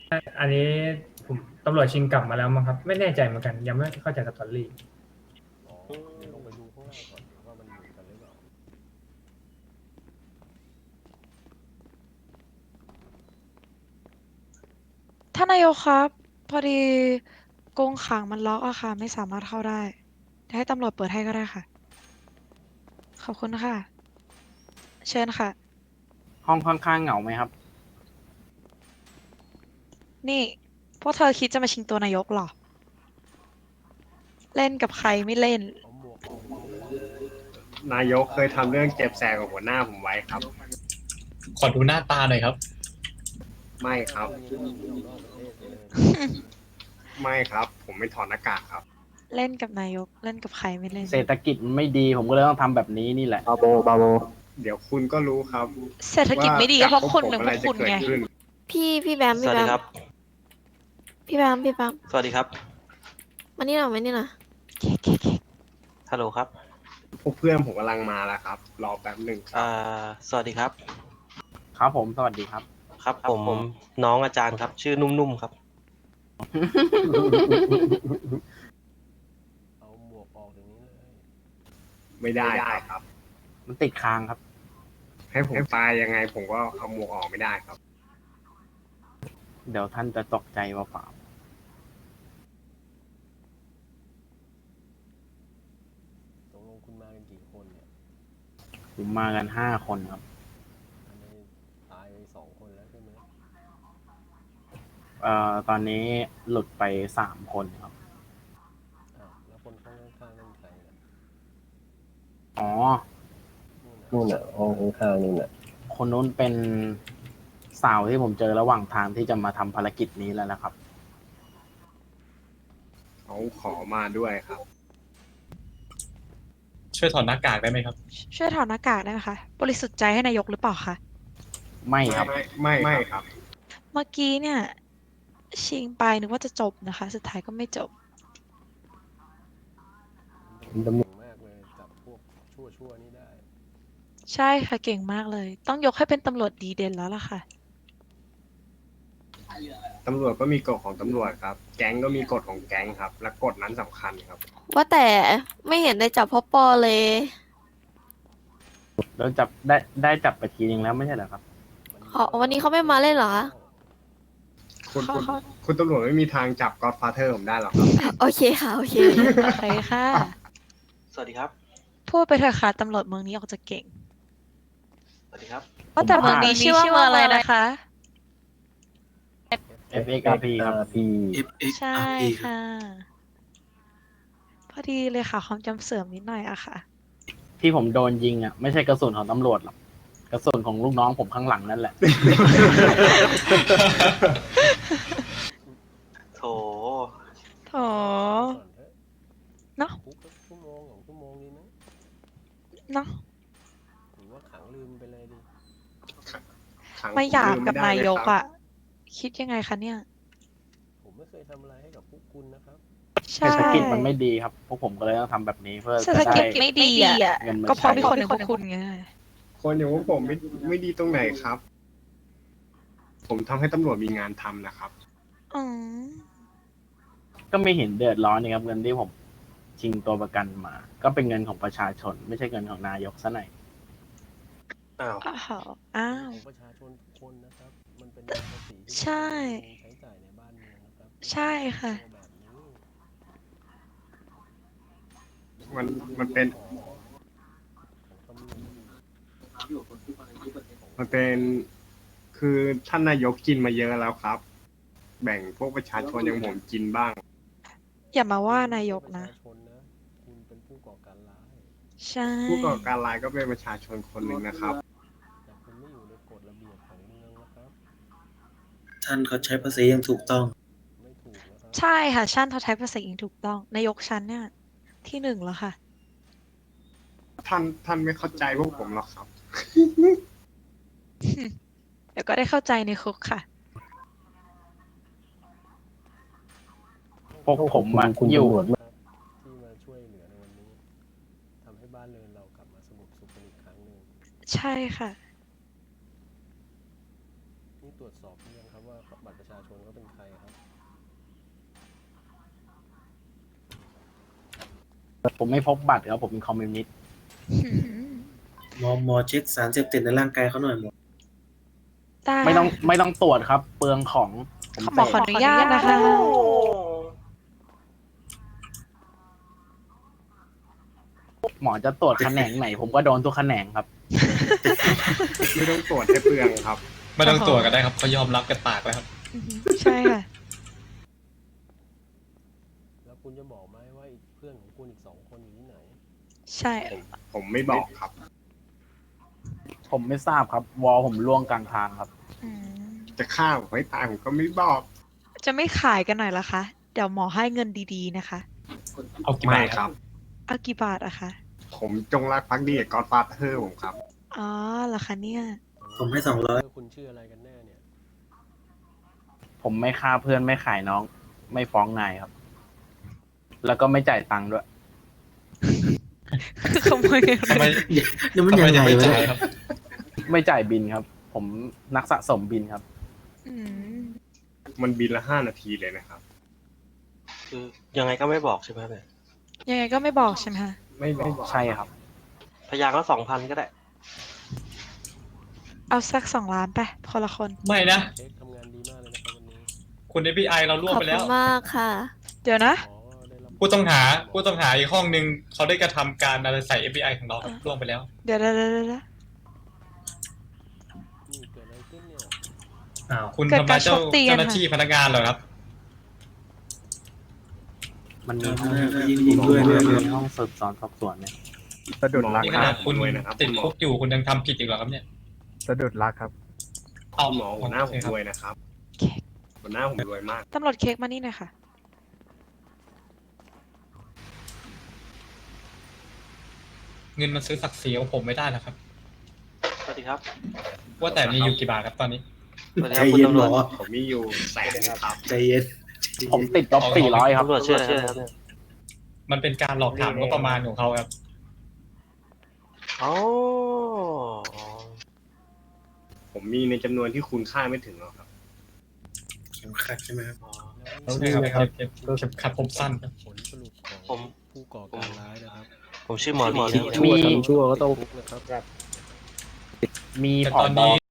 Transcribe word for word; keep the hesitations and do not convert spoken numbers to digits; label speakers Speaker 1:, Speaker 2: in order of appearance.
Speaker 1: อันนี้ผมตำรวจชิงกลับมาแล้วมั้งครับไม่แน่ใจเหมือนกันยังไม่เข้าใจสตอรี่
Speaker 2: อ๋อเดี๋ยวลงไปดูข้างล่างก่อนว่ามันเหมือนกันหรือเปล่า
Speaker 3: ท่านนายกครับพอดีกรงขังมันล็อกอะค่ะไม่สามารถเข้าได้จะให้ตำรวจเปิดให้ก็ได้ค่ะขอบคุณค่ะเชิญค่ะ
Speaker 4: ห้องค่อนข้างเหงาไหมครับ
Speaker 3: นี่พวกเธอคิดจะมาชิงตัวนายกเหรอเล่นกับใครไม่เล่น
Speaker 2: เอาหมวกออกอย่างนี้เลย
Speaker 5: นายกเคยทำเรื่องเจ็บแสบกับหัวหน้าผมไว้ครับ
Speaker 6: ขอดูหน้าตาหน่อยครับ
Speaker 5: ไม่ครับ
Speaker 2: นี่หนีออกนอกประเทศไปเลย
Speaker 5: ไม่ครับ ผมไม่ถอดหน้ากากครับ
Speaker 3: เล่นกับนายกเล่นกับใครไม่เล่น
Speaker 4: เศรษฐกิจมันไม่ดีผมก็เลยต้องทำแบบนี้นี่แหละ
Speaker 5: บาโบ บาโบ เดี๋ยวคุณก็รู้ครับ
Speaker 3: เศรษฐกิจไม่ดีก็เพราะคุณหนึ่ง
Speaker 5: อะ
Speaker 3: พ
Speaker 5: ไร
Speaker 3: วก
Speaker 5: จะ
Speaker 3: คุณ
Speaker 5: เกิด
Speaker 3: ไง
Speaker 5: ขึ้น
Speaker 7: พี่พี่แบม
Speaker 8: ส
Speaker 7: พี่
Speaker 8: วัส
Speaker 7: แบ
Speaker 8: ดี
Speaker 7: ม
Speaker 8: ครับ
Speaker 7: พี่แบมพี่แบม
Speaker 8: สวัสดีครับ
Speaker 7: มานี่หน่อยมานี่หน่อย
Speaker 8: ฮัลโหลครับ
Speaker 5: พวกเพื่อนผมกำลังมาแล้วครับ รอแป๊บหนึ่งครั
Speaker 8: อ่า
Speaker 5: บ
Speaker 8: สวัสดีครับ
Speaker 4: ครับผมสวัสดีครับ
Speaker 8: ครับ
Speaker 4: ครับ
Speaker 8: ผม
Speaker 4: ผม
Speaker 8: น้องอาจารย์ครับ ชื่อนุ่มๆครับ
Speaker 2: เอาหมวกออกอย่างนี้เลย
Speaker 5: ไม่ได้ครับ
Speaker 4: มันติดค้างครับ
Speaker 5: ให้ผมตายยังไง ผมก็เอาหมวกออกไม่ได้ครับ
Speaker 4: เดี๋ยวท่านจะตกใจว่าเปล่า
Speaker 2: ตกลงคุณมากันกี่คนเนี่ย
Speaker 4: ผมมากันห้าคนครับ
Speaker 2: อันนี้ตายไปสองคนแล้วใช่ไหม
Speaker 4: เอ่อตอนนี้หลุดไปสามคนครับ
Speaker 2: อ้าวแล้วคนข้างข้างๆนั่นใครล่ะ
Speaker 4: อ๋อ
Speaker 2: นู่นน่ะ
Speaker 5: นู่นน่ะห้องข้างๆนู่นน่ะ
Speaker 4: คนนู้นเป็นสาวที่ผมเจอระหว่างทางที่จะมาทำภารกิจนี้แล้วนะครับ
Speaker 5: เขาขอมาด้วยครับ
Speaker 6: ช่วยถอดหน้ากากได้ไหมครับ
Speaker 3: ช่วยถอดหน้ากากได้ไหมคะบริสุทธิ์ใจให้นายกหรือเปล่าคะ
Speaker 4: ไม่ครับ
Speaker 5: ไม่ไม่ไม่ครับ
Speaker 3: เมื่อกี้เนี่ยชิงไปนึกว่าจะจบนะคะ สุดท้ายก็ไม่จบ
Speaker 2: มันเก่งมากเลยจับพวกชั่วชั่วๆนี่ได้
Speaker 3: ใช่ค่ะเก่งมากเลย ต้องยกให้เป็นตำรวจดีเด่นแล้วล่ะค่ะ
Speaker 5: ตำรวจก็มีกฎของตำรวจครับ แก๊งก็มีกฎของแก๊งครับ และกฎนั้นสำคัญครับ
Speaker 7: ว่าแต่ไม่เห็นได้จับพ่อปอเลย
Speaker 4: แล้วจับได้ได้จับไปทีนึงแล้วไม่ใช่เหรอครับ
Speaker 7: อ๋อวันนี้เขาไม่มาเล่นเหรอ
Speaker 5: คุณ
Speaker 3: เขา
Speaker 5: คุณ
Speaker 3: เขา
Speaker 5: คุณตำรวจไม่มีทางจับก็อดฟาเธอร์ผมได้หรอกครับ
Speaker 7: โอเคค่ะโอเค
Speaker 3: โอเคค่ะ
Speaker 8: สวัสดีครับ
Speaker 3: พูดไปเถอะค่ะตำรวจเมืองนี้ออกจะเก่ง
Speaker 8: สวัสดีครับ
Speaker 3: ว่าแต่
Speaker 4: ผม
Speaker 3: เมือง
Speaker 4: ว่า
Speaker 3: นี้ชื่อว่าเมืองอะไรนะคะ
Speaker 4: เอฟ เอ็กซ์ อาร์ พี ครับ
Speaker 3: ใช่ค่ะ พอดีเลยค่ะความจำเสื่อมนิดหน่อยอะค่ะ
Speaker 4: ที่ผมโดนยิงอ่ะไม่ใช่กระสุนของตำรวจหรอกกระสุนของลูกน้องผมข้างหลังนั่นแหละ
Speaker 8: โถ
Speaker 3: โถ
Speaker 2: ก่อนเถอะ
Speaker 3: เนาะ
Speaker 2: คุกสักชั่วโมงสองชั่วโมงดีไหม
Speaker 3: เนาะ
Speaker 2: หรือว่าขังลืมไปเลยดี
Speaker 5: ขัง
Speaker 3: ไม่อยาก
Speaker 5: ผ
Speaker 3: กับ
Speaker 5: ลืไได้
Speaker 3: นายก
Speaker 5: เลครับ
Speaker 3: อะคิดยังไงคะเนี่ย
Speaker 2: ผมไม่เคยทำอะไรให้กับพวกคุณนะครับ
Speaker 3: ใช่
Speaker 4: เศรษฐกิจมันไม่ดีครับ พวกผมก็เลยต้องทำแบบนี้เพื่อ
Speaker 3: เศรษ
Speaker 4: จะ
Speaker 3: ฐ
Speaker 4: ได้
Speaker 3: กิจไม่ดีอะ
Speaker 4: เงินมา
Speaker 3: ก็เพราะ
Speaker 4: ใช้
Speaker 3: มีคนหนึ่งพวกคุณไง
Speaker 5: คนอย่างพวกผมไม่ไม่ดีตรงไหนครับ ผมทำให้ตำรวจมีงานทำนะครับ
Speaker 3: อืม
Speaker 4: ก็ไม่เห็นเดือดร้อนนี่ครับเงินที่ผมชิงตัวประกันมา ก็เป็นเงินของประชาชน ไม่ใช่เงินของนายกซะหน่อย
Speaker 8: อ้าว
Speaker 3: อ้าวอ้าว
Speaker 2: ของประชาชนทุกคนนะครับ มันเป็นเงินภาษีที่
Speaker 3: ใช่
Speaker 2: ใช้จ่ายในบ้านเมืองนะครับ
Speaker 3: ใช่ค่ะ
Speaker 2: แบบนี้
Speaker 5: มันมันเป็น
Speaker 2: ของของตำรวจ
Speaker 5: มันเป็น คือท่านนายกกินมาเยอะแล้วครับ แบ่งพวกประชาชนอย่างผมกินบ้าง
Speaker 3: อย่ามาว่านายกนะ
Speaker 2: ประชาชนนะ คุณเป็นผู้ก่อการร้าย
Speaker 3: ใช่
Speaker 5: ผู้ก่อการร้ายก็เป็นประชาชนคนหนึ่งนะครับ
Speaker 2: แต่คุณไม่อยู่ในกฎระเบียบของเมืองนะครับ
Speaker 9: ท่านเขาใช้ภาษีอย่างถูกต้อง
Speaker 2: ไม่ถูกนะครับ
Speaker 3: ใช่ค่ะชั้นเขาใช้ภาษาอังกฤษถูกต้อง นายกชั้นเนี่ย ที่หนึ่งแล้วค่ะ
Speaker 5: ท่านท่านไม่เข้าใจพวกผมหรอกครับ
Speaker 3: เดี๋ยวก็ได้เข้าใจในคุกค่ะ
Speaker 4: พวกผมอะอยู่
Speaker 2: ครับที่มาช่วยเหลือในวันนี้ทำให้บ้านเรือนเรากลับมาสงบสุขกันอีกครั้งหนึ่ง
Speaker 3: ใช่ค่ะ
Speaker 2: นี่ตรวจสอบหรือยังครับว่าบัตรประชาชนเขาเป็นใครครับ
Speaker 4: ผมไม่พบบัตรครับผมเป็นคอมมิวนิสต์
Speaker 9: หมอหมอเช็คสารเสพติดในร่างกายเขาหน่อยหมอ
Speaker 3: ได้
Speaker 4: ไม่ต้องไม่ต้องตรวจครับ เปลืองของผม
Speaker 3: หมอขอ
Speaker 4: เส
Speaker 3: อ
Speaker 4: พ
Speaker 3: นุญาตนะคะ
Speaker 4: หมอจะตรวจแขนงไหน ผมก็โดนทุกแขนงครับ
Speaker 5: ไม่ต้องตรวจให้เปลืองครับ
Speaker 6: ไม่ต้องตรวจก็ได้ครับเขายอมรับกันปากแล้วครับ
Speaker 3: อือหือใช่ค่ะ
Speaker 2: แล้วคุณจะบอกไหมว่าอีกเพื่อนของคุณอีกสองคนอยู่ที่ไหน
Speaker 3: ใช่
Speaker 5: ผมผมไม่บอกครับ
Speaker 4: ผมไม่ทราบครับ วอลผมล่วงกลางทางครับ
Speaker 3: อืม
Speaker 5: จะฆ่าผมให้ตายผมก็ไม่บอก
Speaker 3: จะไม่ขายกันหน่อยเหรอคะ เดี๋ยวหมอให้เงินดีๆนะคะ
Speaker 6: เอากี่
Speaker 5: ไม่
Speaker 6: บาท
Speaker 5: ค
Speaker 6: ค
Speaker 5: รั
Speaker 6: รับ
Speaker 5: บ
Speaker 3: เอากี่บาทอะคะ
Speaker 5: ผมจงรักภักดีกับกอดฟาเธอร์ผมครับ
Speaker 3: อ๋อเหรอคะเนี่ย
Speaker 9: ผมให้สองร้อย
Speaker 2: เพื่อนคุณชื่ออะไรกันแน่เนี่ย
Speaker 4: ผมไม่ฆ่าเพื่อนไม่ขายน้อง ไม่ฟ้องนายครับ แล้วก็ไม่จ่ายตังค์ด้วย
Speaker 3: ขโมยเงิน
Speaker 6: ทำไม
Speaker 9: นี่มัน
Speaker 6: ทำไม
Speaker 9: ยัง
Speaker 6: ยั
Speaker 9: ไง
Speaker 6: งไม่
Speaker 9: วะ
Speaker 6: จ่าย
Speaker 9: เนี่ย
Speaker 6: ครับ
Speaker 4: ไม่จ่ายบินครับ ผมนักสะสมบินครับ
Speaker 3: อืม
Speaker 5: มันบินละห้านาทีเลยนะครับ
Speaker 8: คือยังไงก็ไม่บอกใช่ไหมครับเนี่ย
Speaker 3: ยังไงก็ไม่บอกใช่ไหมคะ
Speaker 5: ไม่บอก
Speaker 4: ใช่ครับ
Speaker 8: พยางก็สองพันก็ได้
Speaker 3: เอาสักสองล้านไปคนละคน
Speaker 6: ไม่นะ
Speaker 2: เช็คทำงานดีมากเลยนะครับวันนี้
Speaker 6: คุณ เอฟ บี ไอ เราล่วง
Speaker 7: ขอบ
Speaker 6: ไป
Speaker 7: คุ
Speaker 6: แล้
Speaker 7: ณ
Speaker 6: ว
Speaker 7: มากค่ะ
Speaker 3: เดี๋ยวนะ
Speaker 2: หมอก็ได้รับ
Speaker 6: ผู้ต้องหาผู้ต้องหาอีกห้องหนึ่งเขาได้กระทำการอะไรใส่ เอฟ บี ไอ ของเราครับล่วงไปแล้ว
Speaker 3: เดี๋ยวเดี๋ยวเดี๋ยวเดี๋ยว
Speaker 2: นี่เกิดอะไรขึ้นเนี่ย
Speaker 1: อ้าว
Speaker 6: คุณ
Speaker 3: เกิด
Speaker 6: ทำ
Speaker 3: กา
Speaker 6: ร้าร ยเจ้า
Speaker 3: ชกตีกัน
Speaker 6: เจ้าหน้าที่พนักงานเหรอครับ
Speaker 4: มันมี
Speaker 9: อ่า
Speaker 4: ห้อง
Speaker 9: ยิงผมด้วย
Speaker 4: มั
Speaker 9: ด้วย
Speaker 4: น
Speaker 9: ด้วย
Speaker 4: มีห้องสืบสวนสอบสวนเนี่ย
Speaker 5: สะดุดรัก
Speaker 6: นี่
Speaker 5: ค
Speaker 6: ข
Speaker 5: รั
Speaker 6: นา
Speaker 5: บ
Speaker 6: ดคุณ
Speaker 5: ด้วยนะครับ
Speaker 6: ติด
Speaker 5: คุณหม
Speaker 6: คุ
Speaker 5: อก
Speaker 6: อยู่คุณยังทำผิดอีกเหรอครับเนี่ย
Speaker 5: สะดุดรักครับ
Speaker 6: เอา
Speaker 5: คุณหมอหัวหน้าผม
Speaker 6: โอเคครับ
Speaker 5: รวยนะครับ
Speaker 3: เค้ก
Speaker 5: หัวหน้าผมรวยมาก
Speaker 3: ตำรวจเค้กมานี่หน่อยค่ะ
Speaker 6: เงินมันซื้อศักดิ์ศรีของผมไม่ได้หรอกครับ
Speaker 8: สวัสดีครับ
Speaker 6: ว่าแต่มีอยู่กี่บาทครับตอนนี้
Speaker 8: สวัสดี
Speaker 9: ใจ
Speaker 8: ครับคุณ
Speaker 9: เย็น
Speaker 8: ตำ
Speaker 9: ห
Speaker 8: ร
Speaker 9: ม
Speaker 8: ว
Speaker 9: อ
Speaker 8: จ
Speaker 5: ผมมีอยู่แสนหนึงครับ
Speaker 9: ใจเย็น
Speaker 4: ผมติดลบสี่ร้อยครับ
Speaker 8: ตำรวจชื่ออะไรครับเนี่ย
Speaker 6: มันเป็นการหลอกถามงบประมาณของเขาครับ
Speaker 8: อ๋อ
Speaker 5: ผมมีในจำนวนที่คุณค่าไม่ถึงหรอกครับ
Speaker 9: เข็มขัดใช่ไหมครับ
Speaker 2: แล้ว
Speaker 6: ใช่ครับเก็บเก็บเข็มขัดผมสั้นครับ
Speaker 2: ผลสรุปของ
Speaker 8: ผม
Speaker 2: ผู้ก่อการร้ายนะครับ
Speaker 8: ผมชื่อหมอลี
Speaker 4: มี
Speaker 8: นะครับ
Speaker 2: ชั่วก็ต้องคุกนะครับ
Speaker 4: มี
Speaker 6: แต่
Speaker 4: ผ
Speaker 6: ต
Speaker 4: อ
Speaker 6: อน
Speaker 4: บ
Speaker 6: นี้